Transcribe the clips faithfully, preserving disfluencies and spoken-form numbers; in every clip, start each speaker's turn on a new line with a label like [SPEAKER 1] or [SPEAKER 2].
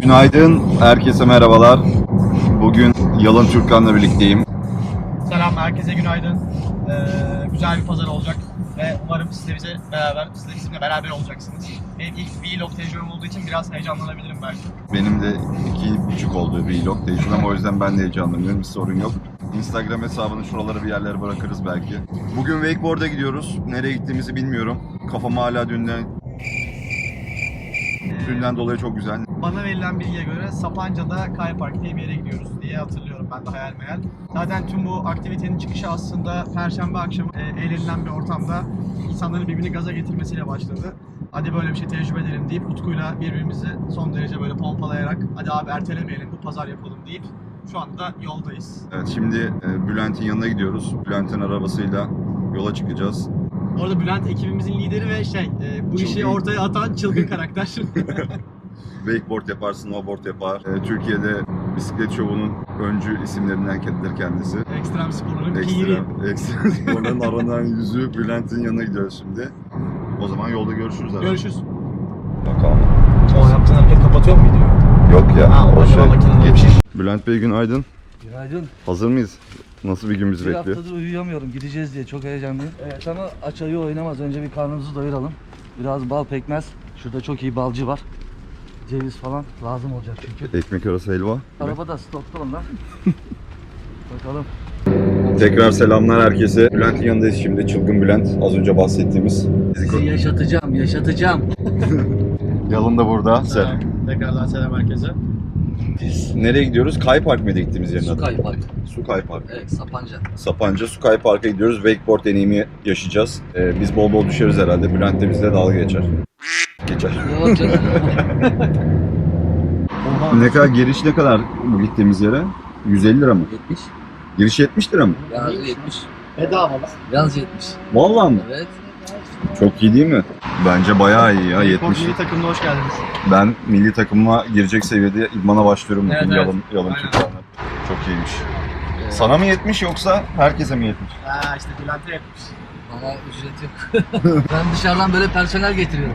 [SPEAKER 1] Günaydın, herkese merhabalar. Bugün Yalın Türkkan'la birlikteyim.
[SPEAKER 2] Selam, herkese günaydın. Ee, güzel bir pazar olacak ve umarım siz de bize beraber, siz de bizimle beraber olacaksınız. Benim ilk vlog tecrübem olduğu için biraz heyecanlanabilirim belki.
[SPEAKER 1] Benim de iki buçuk oldu vlog tecrübem, o yüzden ben de heyecanlanıyorum, bir sorun yok. Instagram hesabını şuralara bir yerlere bırakırız belki. Bugün wakeboard'a gidiyoruz. Nereye gittiğimizi bilmiyorum. Kafam hala dünden... Dünden dolayı çok güzel.
[SPEAKER 2] Bana verilen bilgiye göre Sapanca'da Kaya Park diye bir yere gidiyoruz diye hatırlıyorum ben de hayal meyal. Zaten tüm bu aktivitenin çıkışı aslında Perşembe akşamı e, eğlenilen bir ortamda insanların birbirini gaza getirmesiyle başladı. Hadi böyle bir şey tecrübe edelim deyip Utku'yla birbirimizi son derece böyle pompalayarak hadi abi ertelemeyelim bu pazar yapalım deyip şu anda yoldayız.
[SPEAKER 1] Evet, şimdi e, Bülent'in yanına gidiyoruz. Bülent'in arabasıyla yola çıkacağız.
[SPEAKER 2] Orada Bülent ekibimizin lideri ve şey e, bu
[SPEAKER 1] Çılgın.
[SPEAKER 2] işi ortaya atan çılgın karakter.
[SPEAKER 1] Wakeboard yapar, snowboard yapar. E, Türkiye'de bisiklet şovunun öncü isimlerindendir kendisi.
[SPEAKER 2] Ekstrem sporların piri.
[SPEAKER 1] Ekstra, ekstra sporların aranan yüzü Bülent'in yanına gidiyoruz şimdi. O zaman yolda görüşürüz herhalde.
[SPEAKER 2] Görüşürüz.
[SPEAKER 1] Bakalım.
[SPEAKER 2] O yaptığın hareket kapatıyor mu videoyu?
[SPEAKER 1] Yok ya,
[SPEAKER 2] Ha,
[SPEAKER 1] o
[SPEAKER 2] o
[SPEAKER 1] şey
[SPEAKER 2] makinenin
[SPEAKER 1] geçiş. Bülent Bey günaydın.
[SPEAKER 3] Günaydın.
[SPEAKER 1] Hazır mıyız? Nasıl bir gün bizi
[SPEAKER 3] Bir
[SPEAKER 1] bekliyor?
[SPEAKER 3] haftadır uyuyamıyorum. Gideceğiz diye çok heyecanlıyım. Evet ama aç ayı oynamaz. Önce bir karnımızı doyuralım. Biraz bal pekmez. Şurada çok iyi balcı var. Ceviz falan lazım olacak çünkü.
[SPEAKER 1] Ekmek arası helva.
[SPEAKER 3] Arabada stokta onlar. Bakalım.
[SPEAKER 1] Tekrar selamlar herkese. Bülent'in yanındayız şimdi. Çılgın Bülent. Az önce bahsettiğimiz.
[SPEAKER 3] Sizi yaşatacağım, yaşatacağım.
[SPEAKER 1] Yalın da burada.
[SPEAKER 2] Selam. Tekrardan selam herkese.
[SPEAKER 3] Biz
[SPEAKER 1] Nereye gidiyoruz? Kay Park mıydı gittiğimiz yerin adı?
[SPEAKER 3] Sukay Park.
[SPEAKER 1] Sukay Park.
[SPEAKER 3] Evet, Sapanca.
[SPEAKER 1] Sapanca Sukay Park'a gidiyoruz. Wakeboard deneyimi yaşayacağız. Ee, biz bol bol düşeriz herhalde. Bülent de bizle dalga geçer. Geçer.
[SPEAKER 3] Yok canım.
[SPEAKER 1] Ne kadar giriş ne kadar bu gittiğimiz yere? yüz elli lira mı?
[SPEAKER 3] yetmiş.
[SPEAKER 1] Giriş yetmiş lira mı?
[SPEAKER 3] Yalnız yetmiş.
[SPEAKER 2] Bedava mı?
[SPEAKER 3] Yalnız yetmiş.
[SPEAKER 1] Vallahi mı?
[SPEAKER 3] Evet.
[SPEAKER 1] Çok iyi değil mi? Bence bayağı iyi ya, yetmiş.
[SPEAKER 2] Milli takımına hoş geldiniz.
[SPEAKER 1] Ben milli takımıma girecek seviyede idmana başlıyorum bugün.
[SPEAKER 2] Evet, evet.
[SPEAKER 1] Yalın, yalın
[SPEAKER 2] Aynen.
[SPEAKER 1] Türkkan'la. Çok iyiymiş. Sana mı yetmiş yoksa herkese mi yetmiş?
[SPEAKER 2] Ha işte Bülent'e yapmış.
[SPEAKER 3] Bana ücret yok. Ben dışarıdan böyle personel getiriyorum.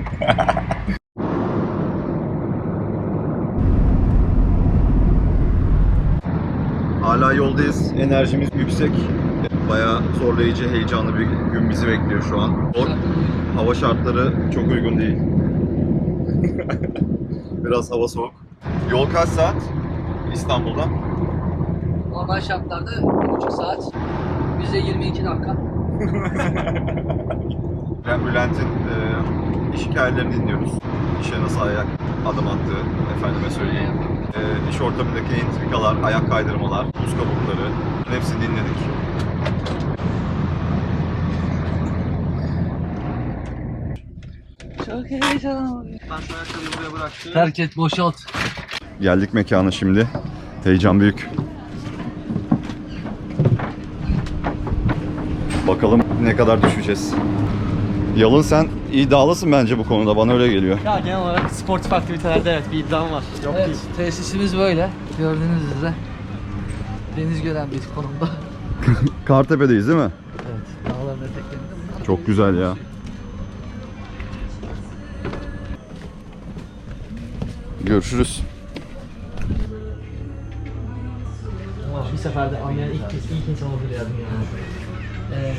[SPEAKER 1] Hala yoldayız. Enerjimiz yüksek. Bayağı zorlayıcı, heyecanlı bir gün bizi bekliyor şu an. O, hava şartları çok uygun değil. Biraz hava soğuk. Yol kaç saat İstanbul'dan?
[SPEAKER 3] Normal şartlarda bir buçuk saat. Bize yirmi iki dakika.
[SPEAKER 1] Ben Bülent'in e, iş hikayelerini dinliyoruz. İşe nasıl ayak adım attığı, efendime söyleyeyim. E, iş ortamındaki entrikalar, ayak kaydırmalar, buz kabukları, hepsini dinledik.
[SPEAKER 3] Çok heyecanlı.
[SPEAKER 2] Ben şu ayakkabıyı buraya bıraktım.
[SPEAKER 3] Terk et, boşalt.
[SPEAKER 1] Geldik mekana şimdi. Heyecan büyük. Bakalım ne kadar düşeceğiz. Yalın, sen iddialısın bence bu konuda, bana öyle geliyor.
[SPEAKER 2] Ya genel olarak sportif aktivitelerde evet bir iddiam var. Yok
[SPEAKER 3] Evet,
[SPEAKER 2] değil.
[SPEAKER 3] tesisimiz böyle. Gördüğünüz üzere. Deniz gören bir konumda.
[SPEAKER 1] Kartepe'deyiz değil mi?
[SPEAKER 3] Evet, dağların eteklerinde.
[SPEAKER 1] Çok güzel ya. Görüşürüz.
[SPEAKER 2] Bir seferde anlayan ilk, ilk insan olur ya dünyada.
[SPEAKER 3] Evet.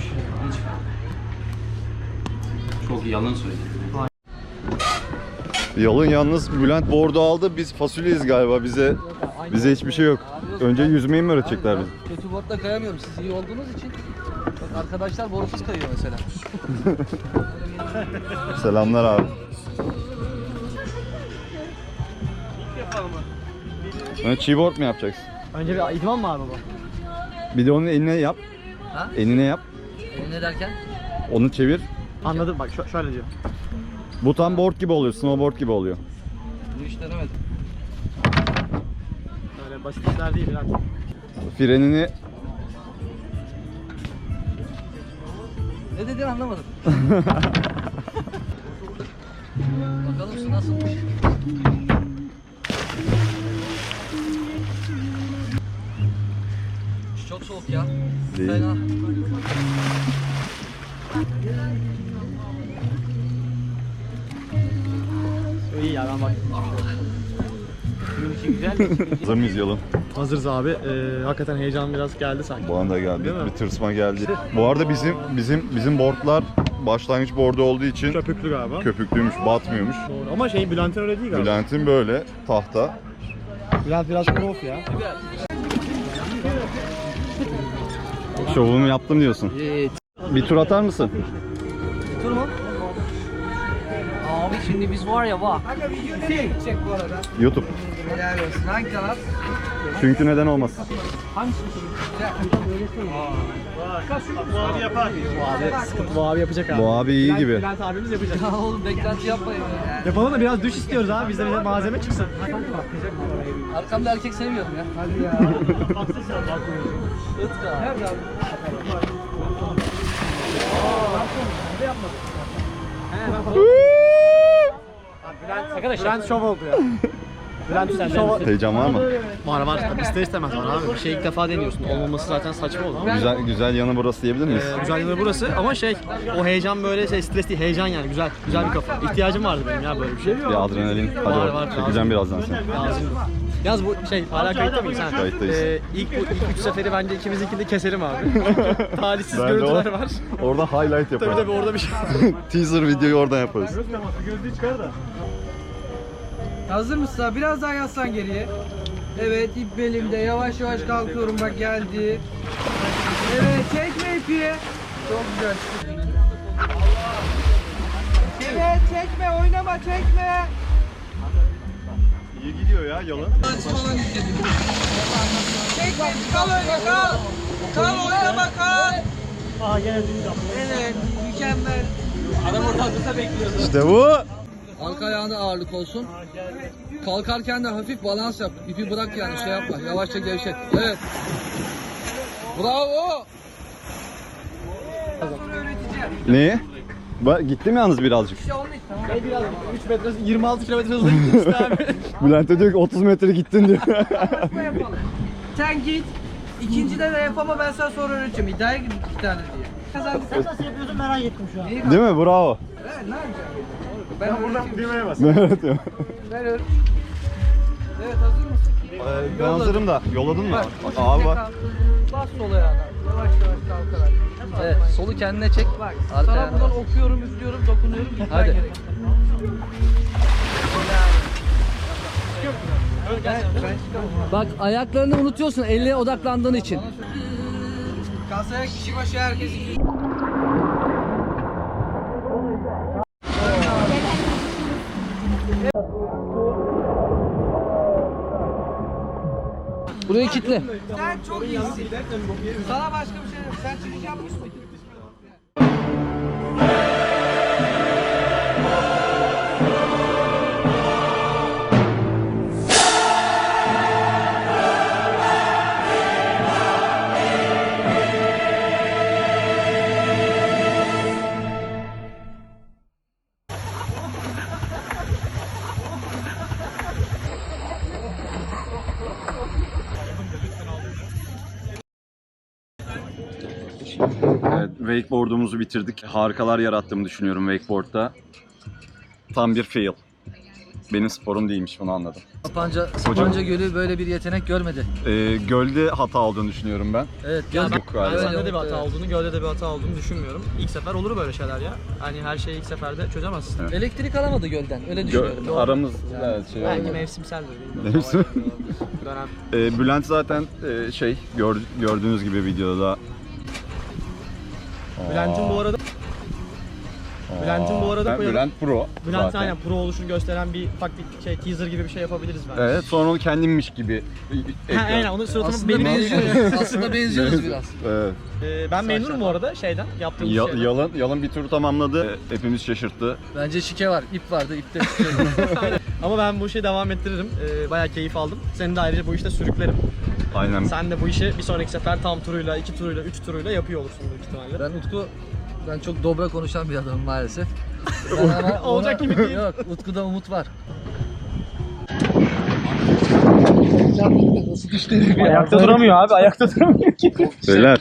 [SPEAKER 4] Çok yalan söyledi.
[SPEAKER 1] Yalın yalnız Bülent bordo aldı. Biz fasulyeyiz galiba. Bize bize hiçbir şey yok. Önce yüzmeyi mi öğretecekler bize?
[SPEAKER 3] Kötü botla kayamıyorum. Siz iyi olduğunuz için. Bak arkadaşlar borusuz kayıyor mesela.
[SPEAKER 1] Selamlar abi.
[SPEAKER 2] Yapalım mı?
[SPEAKER 1] Ha, cheeboard mu yapacaksın?
[SPEAKER 2] Önce bir idman mı abi bu?
[SPEAKER 1] Bir de onun eline yap.
[SPEAKER 3] Ha?
[SPEAKER 1] Eline yap.
[SPEAKER 3] E, ne derken?
[SPEAKER 1] Onu çevir.
[SPEAKER 2] Anladım bak şu, şöyle diyor.
[SPEAKER 1] Bu tam board gibi oluyor. Snowboard gibi oluyor.
[SPEAKER 3] Bu iş denemedim.
[SPEAKER 2] Böyle basit işler değil Bülent.
[SPEAKER 1] Frenini
[SPEAKER 3] Ne dediğini anlamadım. Bakalım su nasılmış. Çok soğuk ya.
[SPEAKER 1] Değil.
[SPEAKER 3] Fena.
[SPEAKER 2] İyi ya ben bak.
[SPEAKER 1] Hazır mıyız Yalın?
[SPEAKER 2] Hazırız abi. Ee, hakikaten heyecan biraz geldi sanki.
[SPEAKER 1] Bu anda geldi.
[SPEAKER 2] Değil mi?
[SPEAKER 1] Bir tırsma geldi. Bu arada bizim bizim bizim boardlar başlangıç boardu olduğu için
[SPEAKER 2] Köpüklü galiba.
[SPEAKER 1] köpüklüymüş, batmıyormuş.
[SPEAKER 2] Doğru. Ama şey Bülent'in öyle değil galiba.
[SPEAKER 1] Bülent'in böyle tahta.
[SPEAKER 2] Bülent biraz prof ya.
[SPEAKER 1] Şovumu yaptım diyorsun.
[SPEAKER 3] Evet.
[SPEAKER 1] Bir tur atar mısın?
[SPEAKER 3] Dur mu? Abi şimdi biz var ya bak.
[SPEAKER 1] YouTube.
[SPEAKER 3] Helal olsun. Hangi kanal?
[SPEAKER 1] Çünkü neden olmasın?
[SPEAKER 2] Bu abi yapar. Bu abi sıkıntı. Bu abi yapacak abi.
[SPEAKER 1] Bu abi iyi gibi.
[SPEAKER 2] Bülent abimiz yapacak.
[SPEAKER 3] Ya oğlum beklenti yapmayın ya.
[SPEAKER 2] Yapalım da biraz düş istiyoruz abi. Bizde bize malzeme çıksın.
[SPEAKER 3] Arkamda erkek sevmiyorum ya. Hadi ya. Itka. Nerede abi?
[SPEAKER 2] Bülent, Bülent şov oldu ya. Bülent sen şov.
[SPEAKER 1] Heyecan var mı?
[SPEAKER 2] Var var. İster istemez var abi. Bir şey ilk defa deniyorsun. Olmaması zaten saçma olur.
[SPEAKER 1] Güzel güzel yanı burası diyebilir miyiz?
[SPEAKER 2] Ee, güzel yanı burası ama şey o heyecan böyle şey stres değil heyecan yani güzel güzel bir kafa. İhtiyacım vardı benim ya böyle bir şey.
[SPEAKER 1] Bir adrenalin. Hadi
[SPEAKER 2] Var,
[SPEAKER 1] bak,
[SPEAKER 2] var,
[SPEAKER 1] çekeceğim birazdan seni.
[SPEAKER 2] Lazım. Yalnız bu şey hala kayıtta mıyız ha?
[SPEAKER 1] Kayıttayız.
[SPEAKER 2] Ee, ilk bu ilk üç seferi bence ikimizinkini de keselim abi. Talihsiz
[SPEAKER 1] Ben de
[SPEAKER 2] görüntüler
[SPEAKER 1] o-
[SPEAKER 2] var.
[SPEAKER 1] Orada highlight
[SPEAKER 2] Tabii
[SPEAKER 1] yaparız.
[SPEAKER 2] tabii orada bir şey.
[SPEAKER 1] Teaser videoyu oradan yaparız.
[SPEAKER 5] Hazır mısın abi? Biraz daha yaslan geriye. Evet, ip belimde. Yavaş yavaş kalkıyorum, bak geldi. Evet, çekme ipi. Çok güzel. Evet, çekme, oynama, çekme.
[SPEAKER 1] İyi gidiyor ya Yalın.
[SPEAKER 5] Çekme, kal öyle, kal. Kal, oynama, kal. Evet, mükemmel.
[SPEAKER 1] İşte bu.
[SPEAKER 3] Arka ayağında ağırlık olsun. Kalkarken de hafif balans yap. İpi bırak yani şey yapma. Yavaşça gevşet. Evet. Bravo.
[SPEAKER 1] Neyi? Ba gitti mi yalnız birazcık?
[SPEAKER 2] Şey biraz üç metre yirmi altı kilometre hızla gitti işte abi.
[SPEAKER 1] Bülent'e diyor ki otuz metre gittin diyor.
[SPEAKER 5] Yapalım. Sen git. İkincide de yap ama ben sana sonra öğreteceğim. İddiaya gir iki tane diye. Kazandık. Sen nasıl yapıyorsun merak ettim şu an.
[SPEAKER 1] Değil mi? Bravo.
[SPEAKER 5] Evet, ne yapacağım? Ben buradan
[SPEAKER 2] Düğmeye bas.
[SPEAKER 1] Ne öğretiyor?
[SPEAKER 5] Ben öyle. Evet, hazır mısın?
[SPEAKER 1] Ben hazırım da. Yolladın mı?
[SPEAKER 5] Bak, o
[SPEAKER 1] Abi
[SPEAKER 5] şekilde
[SPEAKER 1] bak.
[SPEAKER 5] kalk. Bas sol ayağına. Yavaş yavaş kalkarak.
[SPEAKER 3] Evet, solu kendine çek.
[SPEAKER 5] Bak,
[SPEAKER 3] Arka
[SPEAKER 5] sana
[SPEAKER 3] ayağına
[SPEAKER 5] buradan
[SPEAKER 3] bas.
[SPEAKER 5] okuyorum, üflüyorum, dokunuyorum. Gitmen
[SPEAKER 3] Hadi.
[SPEAKER 5] gerek. Ben, ben çıkamam.
[SPEAKER 3] Bak ayaklarını unutuyorsun elle odaklandığın için.
[SPEAKER 5] Kasaya kişi başı herkes iki.
[SPEAKER 3] Burayı kitle.
[SPEAKER 5] Sen çok iyisin. Sana başka bir şey yok. Sen çıkış yapmış mıydın?
[SPEAKER 1] Evet, wakeboard'umuzu bitirdik. Harikalar yarattığımı düşünüyorum wakeboard'da. Tam bir fail. Benim sporum değilmiş, bunu anladım.
[SPEAKER 3] Sapanca, Sapanca Gölü böyle bir yetenek görmedi.
[SPEAKER 1] Ee, gölde hata olduğunu düşünüyorum ben.
[SPEAKER 3] Evet,
[SPEAKER 2] Ya
[SPEAKER 3] göl
[SPEAKER 2] ben,
[SPEAKER 1] Yok galiba.
[SPEAKER 2] ben sende
[SPEAKER 3] Öyle
[SPEAKER 2] de bir
[SPEAKER 3] oldu,
[SPEAKER 2] hata
[SPEAKER 3] evet.
[SPEAKER 2] olduğunu, gölde de bir hata olduğunu düşünmüyorum. İlk sefer olur böyle şeyler ya. Hani her şeyi ilk seferde çözemezsin.
[SPEAKER 1] Evet.
[SPEAKER 3] Elektrik alamadı gölden. Öyle düşünüyorum.
[SPEAKER 1] Gö- aramız evet, şey
[SPEAKER 2] Belki
[SPEAKER 1] oldu.
[SPEAKER 2] mevsimseldir.
[SPEAKER 1] Mevsim.
[SPEAKER 2] Dönem.
[SPEAKER 1] Ee, Bülent zaten e, şey gör, gördüğünüz gibi videoda.
[SPEAKER 2] Bülent'in bu arada Bülent'in bu arada
[SPEAKER 1] Ben
[SPEAKER 2] koyalım.
[SPEAKER 1] Bülent Pro.
[SPEAKER 2] Bülent
[SPEAKER 1] zaten.
[SPEAKER 2] aynen pro oluşunu gösteren bir ufak bir şey teaser gibi bir şey yapabiliriz bence.
[SPEAKER 1] Evet, sonra onu kendimmiş gibi.
[SPEAKER 2] Ha, aynen onun suratımı
[SPEAKER 3] Aslında
[SPEAKER 2] benim
[SPEAKER 3] benziyoruz. Aslında benziyoruz biraz.
[SPEAKER 1] Evet.
[SPEAKER 2] Ee, ben memnunum bu arada şeyden yaptığım
[SPEAKER 1] Ya-
[SPEAKER 2] şeyden.
[SPEAKER 1] yalın, yalın bir turu tamamladı. Hepimiz şaşırttı.
[SPEAKER 3] Bence şike var. İp vardı. İpte şike.
[SPEAKER 2] Ama ben bu işi devam ettiririm. Ee, bayağı keyif aldım. Seni de ayrıca bu işte sürüklerim.
[SPEAKER 1] Aynen.
[SPEAKER 2] Sen de bu işi bir sonraki sefer tam turuyla, iki turuyla, üç turuyla yapıyor olursun büyük ihtimalle.
[SPEAKER 3] Ben Utku, ben çok dobra konuşan bir adamım maalesef. Ben ama
[SPEAKER 2] Olacak
[SPEAKER 3] ona-
[SPEAKER 2] gibi değil.
[SPEAKER 3] Yok, Utku'da umut var.
[SPEAKER 2] Ayakta duramıyor abi, ayakta duramıyor ki.
[SPEAKER 1] Beyler.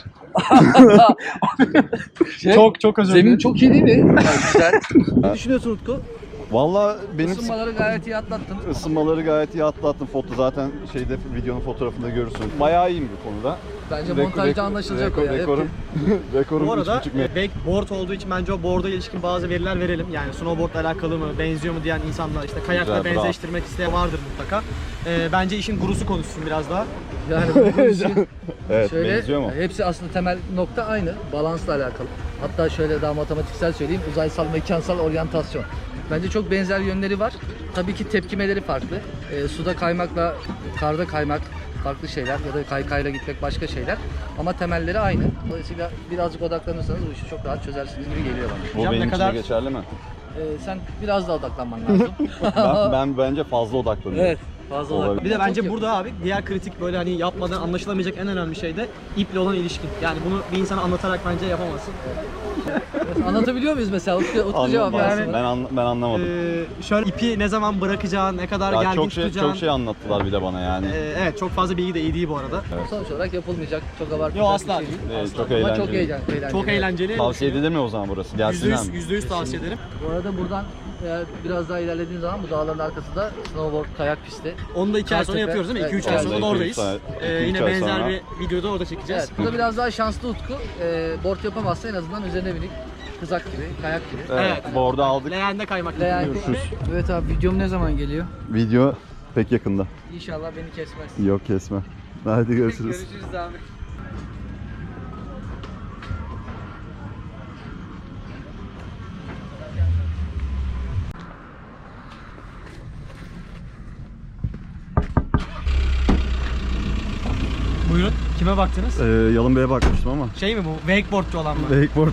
[SPEAKER 3] Şey,
[SPEAKER 2] Çok çok özür
[SPEAKER 3] Zemin
[SPEAKER 2] dilerim.
[SPEAKER 3] çok iyi değil mi? Yani güzel. Ne düşünüyorsun Utku?
[SPEAKER 1] Valla benim
[SPEAKER 3] Isınmaları gayet iyi atlattın.
[SPEAKER 1] ısınmaları gayet iyi atlattım. Foto zaten şeyde videonun fotoğrafında görürsün. Bayağı iyiyim bu konuda.
[SPEAKER 3] Bence
[SPEAKER 1] Rek-
[SPEAKER 3] montajda
[SPEAKER 1] rek-
[SPEAKER 3] anlaşılacak o
[SPEAKER 1] rekor-
[SPEAKER 3] ya. Hep-
[SPEAKER 1] Rekorum, rekorum
[SPEAKER 2] Bu arada
[SPEAKER 1] üç buçuk metre.
[SPEAKER 2] e, wakeboard olduğu için bence o board'a ilişkin bazı veriler verelim. Yani snowboardla alakalı mı, benziyor mu diyen insanlar, işte kayakla
[SPEAKER 1] Güzel, bravo.
[SPEAKER 2] benzeştirmek isteyen vardır mutlaka. E, bence işin gurusu konuşsun biraz daha.
[SPEAKER 3] Yani bu işin
[SPEAKER 1] Evet,
[SPEAKER 3] şöyle,
[SPEAKER 1] benziyor mu?
[SPEAKER 3] hepsi aslında temel nokta aynı. Balansla alakalı. Hatta şöyle daha matematiksel söyleyeyim. Uzaysal, mekansal oryantasyon. Bence çok benzer yönleri var. Tabii ki tepkimeleri farklı. Ee, suda kaymakla karda kaymak farklı şeyler ya da kaykayla gitmek başka şeyler. Ama temelleri aynı. Dolayısıyla birazcık odaklanırsanız bu işi çok rahat çözersiniz gibi geliyor bana.
[SPEAKER 1] Bu
[SPEAKER 2] Hocam
[SPEAKER 1] benim
[SPEAKER 2] ne
[SPEAKER 1] için
[SPEAKER 2] kadar-
[SPEAKER 1] de geçerli mi?
[SPEAKER 3] Ee, sen biraz daha odaklanman lazım.
[SPEAKER 1] ben, ben bence fazla odaklanıyorum.
[SPEAKER 3] Evet. Fazla
[SPEAKER 1] Olabilir.
[SPEAKER 3] odaklan.
[SPEAKER 2] Bir de bence
[SPEAKER 3] Çok
[SPEAKER 2] burada abi diğer kritik böyle hani yapmadan anlaşılamayacak en önemli şey de iple olan ilişkin. Yani bunu bir insana anlatarak bence yapamazsın.
[SPEAKER 3] yakın. Anlatabiliyor muyuz mesela? Utku, Utku cevap
[SPEAKER 1] Anlamadım.
[SPEAKER 3] versin.
[SPEAKER 1] Ben, anla- ben anlamadım.
[SPEAKER 2] Ee, şöyle ipi ne zaman bırakacağın, ne kadar
[SPEAKER 1] Ya
[SPEAKER 2] gergin
[SPEAKER 1] çok şey
[SPEAKER 2] tutacağın.
[SPEAKER 1] çok şey anlattılar bir de bana yani.
[SPEAKER 2] Ee, evet çok fazla bilgi de iyi değil bu arada.
[SPEAKER 3] Sonuç olarak yapılmayacak. Çok abartılacak
[SPEAKER 2] Yo, asla
[SPEAKER 3] bir şey
[SPEAKER 2] değil.
[SPEAKER 3] değil.
[SPEAKER 1] Ee, çok
[SPEAKER 3] Ama
[SPEAKER 1] eğlenceli.
[SPEAKER 3] çok eğlenceli. eğlenceli.
[SPEAKER 2] Çok eğlenceli.
[SPEAKER 1] Tavsiye edilir mi o zaman burası?
[SPEAKER 2] Yüzde
[SPEAKER 1] Gelsinler
[SPEAKER 2] yüz,
[SPEAKER 1] mi?
[SPEAKER 2] yüzde yüz tavsiye ederim.
[SPEAKER 3] Bu arada buradan eğer biraz daha ilerlediğin zaman bu dağların arkası da snowboard kayak pisti.
[SPEAKER 2] Onu da iki ay sonra
[SPEAKER 3] Kartepe.
[SPEAKER 2] yapıyoruz değil mi? iki üç
[SPEAKER 3] Evet,
[SPEAKER 2] ay
[SPEAKER 3] evet.
[SPEAKER 2] sonra da
[SPEAKER 1] iki üç
[SPEAKER 2] oradayız.
[SPEAKER 1] ay-
[SPEAKER 2] Ee,
[SPEAKER 1] iki üç
[SPEAKER 2] yine
[SPEAKER 1] ay
[SPEAKER 2] benzer
[SPEAKER 1] sonra.
[SPEAKER 2] bir videoda orada çekeceğiz.
[SPEAKER 3] Evet, burada biraz daha şanslı Utku. Ee, board yapamazsa en azından üzerine binip kızak gibi, kayak gibi.
[SPEAKER 1] Evet.
[SPEAKER 2] Evet.
[SPEAKER 1] Bu arada aldık.
[SPEAKER 2] Leğende kaymak
[SPEAKER 3] Leğen-
[SPEAKER 2] yapıyoruz.
[SPEAKER 5] Evet abi videom ne zaman geliyor?
[SPEAKER 1] Video pek yakında.
[SPEAKER 5] İnşallah beni kesmez.
[SPEAKER 1] Yok kesme. Hadi görüşürüz.
[SPEAKER 5] Görüşürüz abi.
[SPEAKER 2] Buyurun. Kime baktınız?
[SPEAKER 1] Ee, Yalın Bey'e bakmıştım ama.
[SPEAKER 2] Şey mi bu? Wakeboardçu olan mı?
[SPEAKER 1] Wakeboard.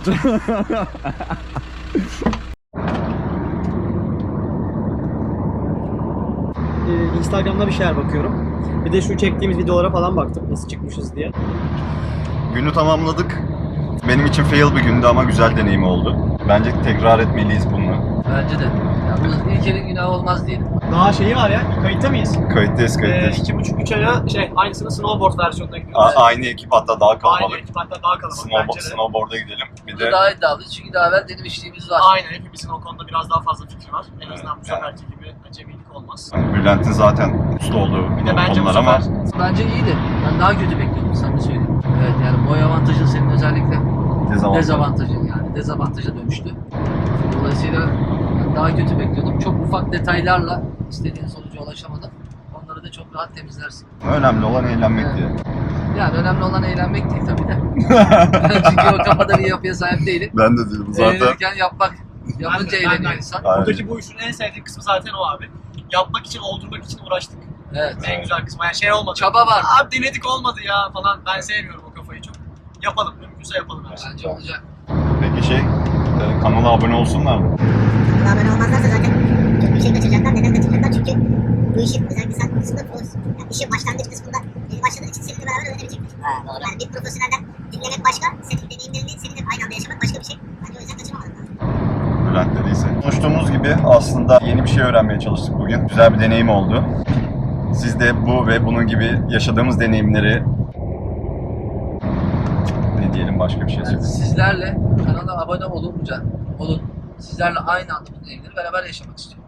[SPEAKER 2] Ee, Instagram'da bir şeyler bakıyorum. Bir de şu çektiğimiz videolara falan baktım. Nasıl çıkmışız diye.
[SPEAKER 1] Günü tamamladık. Benim için fail bir gündü ama güzel deneyim oldu. Bence tekrar etmeliyiz bunu.
[SPEAKER 3] Bence de. Yalnız ilk elin günahı olmaz diyelim.
[SPEAKER 2] Daha şeyi var ya. Kayıtta mıyız?
[SPEAKER 1] Kayıttayız
[SPEAKER 2] Ee,
[SPEAKER 1] kayıttayız.
[SPEAKER 2] iki buçuk üç aya şey aynısını snowboard versiyonuna gidiyoruz.
[SPEAKER 1] A- aynı ekip hatta daha
[SPEAKER 2] Aynı
[SPEAKER 1] kalabalık.
[SPEAKER 2] ekip hatta daha kalabalık
[SPEAKER 1] Snowboard,
[SPEAKER 2] bence de.
[SPEAKER 1] snowboard'a gidelim. Bir
[SPEAKER 3] Burada
[SPEAKER 1] de
[SPEAKER 3] daha iddialıyız çünkü daha evvel denemişliğimiz var.
[SPEAKER 2] Aynen hepimizin o konuda biraz daha fazla fikri var. En azından bu
[SPEAKER 1] Evet,
[SPEAKER 2] seferki gibi acemilik olmaz.
[SPEAKER 1] hani Bülent'in zaten usta olduğu
[SPEAKER 2] Bir de bence bu
[SPEAKER 1] konular ama
[SPEAKER 2] sefer
[SPEAKER 3] Bence iyiydi. Ben daha kötü bekliyordum sana söyleyeyim. Evet yani boy avantajın senin özellikle
[SPEAKER 1] dezavantaj.
[SPEAKER 3] dezavantajın yani dezavantaja dönüştü. Dolayısıyla ben daha kötü bekliyordum. Çok ufak detaylarla istediğin sonuca ulaşamadım. Onları da çok rahat temizlersin.
[SPEAKER 1] Önemli olan eğlenmek
[SPEAKER 3] Evet.
[SPEAKER 1] diye.
[SPEAKER 3] Yani önemli olan eğlenmek değil tabii de. Çünkü o kafada bir yapıya sahip değilim.
[SPEAKER 1] Ben de diyorum zaten.
[SPEAKER 3] Eğlenirken yapmak. Yapınca
[SPEAKER 2] Ben de- ben
[SPEAKER 3] eğleniyor
[SPEAKER 2] de.
[SPEAKER 3] insan.
[SPEAKER 1] Aynen.
[SPEAKER 2] buradaki bu işin en sevdiğim kısmı zaten o abi. Yapmak için, oldurmak için uğraştık.
[SPEAKER 3] Evet.
[SPEAKER 2] En güzel kısmı. Yani şey olmadı.
[SPEAKER 3] Çaba var.
[SPEAKER 2] Abi denedik olmadı ya falan. Ben sevmiyorum o kafayı çok. Yapalım. Mümkünse yapalım her şeyi.
[SPEAKER 3] Bence olacak.
[SPEAKER 1] Peki şey, e, kanala abone olsunlar mı?
[SPEAKER 6] Kanala abone olmazlarsa zaten çok bir şey kaçıracaklar. Neden kaçıracaklar? Çünkü bu işin özellikle sen konusunda profesyonel. Yani işin başlangıç kısmında yeni başladığın için seninle beraber öğrenemeyecekler. Yani bir profesyonelden dinlemek başka, senin deneyimlerini seninle aynı anda yaşamak başka bir şey. Bence o yüzden kaçırmamalı.
[SPEAKER 1] Bülent dediyse. Konuştuğumuz gibi aslında yeni bir şey öğrenmeye çalıştık bugün. Güzel bir deneyim oldu. Siz de bu ve bunun gibi yaşadığımız deneyimleri ne diyelim başka bir şey
[SPEAKER 3] Yani
[SPEAKER 1] söyleyeyim.
[SPEAKER 3] sizlerle kanala abone olunca olun. Sizlerle aynı anda bu deneyimleri beraber yaşamak istiyorum.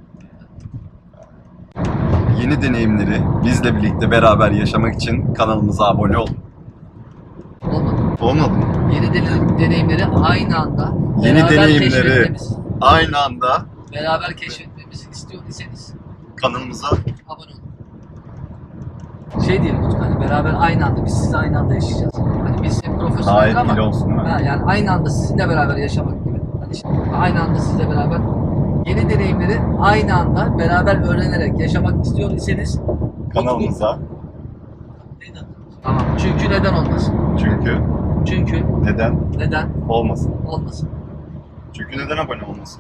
[SPEAKER 1] Yeni deneyimleri bizle birlikte beraber yaşamak için kanalımıza abone olun.
[SPEAKER 3] Olmadı.
[SPEAKER 1] Olmadı mı?
[SPEAKER 3] Yeni deney- deneyimleri aynı anda
[SPEAKER 1] Yeni
[SPEAKER 3] beraber
[SPEAKER 1] deneyimleri
[SPEAKER 3] keşfetmemiz,
[SPEAKER 1] aynı anda
[SPEAKER 3] beraber keşfetmemizi istiyor iseniz
[SPEAKER 1] kanalımıza
[SPEAKER 3] abone olun. Şey diyelim Utku hani beraber aynı anda biz sizinle aynı anda yaşayacağız. Hani biz hep
[SPEAKER 1] daha
[SPEAKER 3] profesyonel
[SPEAKER 1] etkili
[SPEAKER 3] ama
[SPEAKER 1] olsun değil mi?
[SPEAKER 3] ha, yani aynı anda sizinle beraber yaşamak gibi. Hani işte aynı anda sizle beraber yeni deneyimleri aynı anda beraber öğrenerek yaşamak istiyor iseniz
[SPEAKER 1] Kanalımıza.
[SPEAKER 3] Tamam. Çünkü neden olmasın?
[SPEAKER 1] Çünkü
[SPEAKER 3] Çünkü
[SPEAKER 1] neden
[SPEAKER 3] neden
[SPEAKER 1] olmasın?
[SPEAKER 3] olmasın?
[SPEAKER 1] Çünkü neden abone olmasın?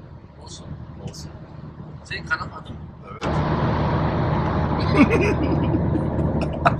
[SPEAKER 3] Olsun.
[SPEAKER 1] Olsun.
[SPEAKER 3] Senin kanalın adı mı?
[SPEAKER 1] Evet.